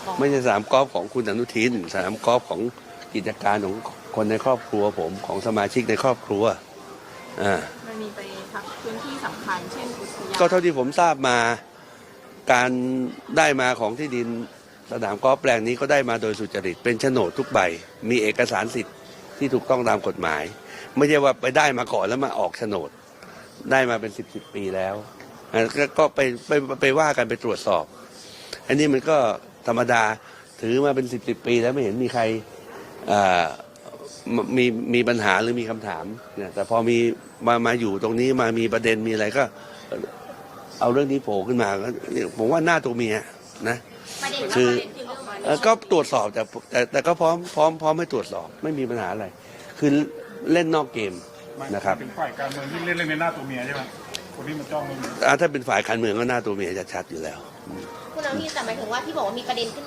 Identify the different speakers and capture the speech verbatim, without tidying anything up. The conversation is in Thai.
Speaker 1: ล์ฟ
Speaker 2: ไม่ใช่สนามกอล์ฟของคุณอนุทินสนามกอล์ฟของกิจการของคนในครอบครัวผมของสมาชิกในครอบครัวอ่า
Speaker 1: มันมีไปทักพื้นที่สำคัญเช่นอุทยาน
Speaker 2: ก็เท่าที่ผมทราบมาการได้มาของที่ดินสนามกอล์ฟแปลงนี้ก็ได้มาโดยสุจริตเป็นโฉนดทุกใบมีเอกสารสิทธิ์ที่ถูกต้องตามกฎหมาย ไม่ใช่ว่าไปได้มาก่อนแล้วมาออกโฉนดได้มาเป็นสิบสิบปีแล้วอ่ะก็ก็ไปไปไปว่ากันไปตรวจสอบ อันนี้มันก็ธรรมดาถือมาเป็นสิบสิบปีแล้วไม่เห็นมีใครอ่ามีมีปัญหาหรือมีคำถามเนี่ยแต่พอมีมามาอยู่ตรงนี้มามีประเด็นมีอะไรก็ เอาเรื่องนี้โผล่ขึ้นมาก็ผมว่าหน้าตัวเมียนะ
Speaker 1: ประเด็น
Speaker 2: คือ
Speaker 1: ประเด็นคือเรื่องมัน
Speaker 2: เอ่อก็ตรวจสอบแต่แต่แต่ก็พร้อมพร้อมพร้อมให้ตรวจสอบไม่มีปัญหาอะไร คือเล่นนอกเกมนะครับ
Speaker 3: เป็นฝ่ายการเมืองที่เล่นเรื่องในหน้าตัวเมียใช่ไหมคนที่มาจ้องเรื่องนี้
Speaker 2: อ่าถ้าเป็นฝ่ายการเมืองก็หน้าตัวเมียจะชัดอยู่แล้ว
Speaker 4: คุณอนุทินแต่หมายถึงว่าที่บอกว่ามีประเด็นขึ้น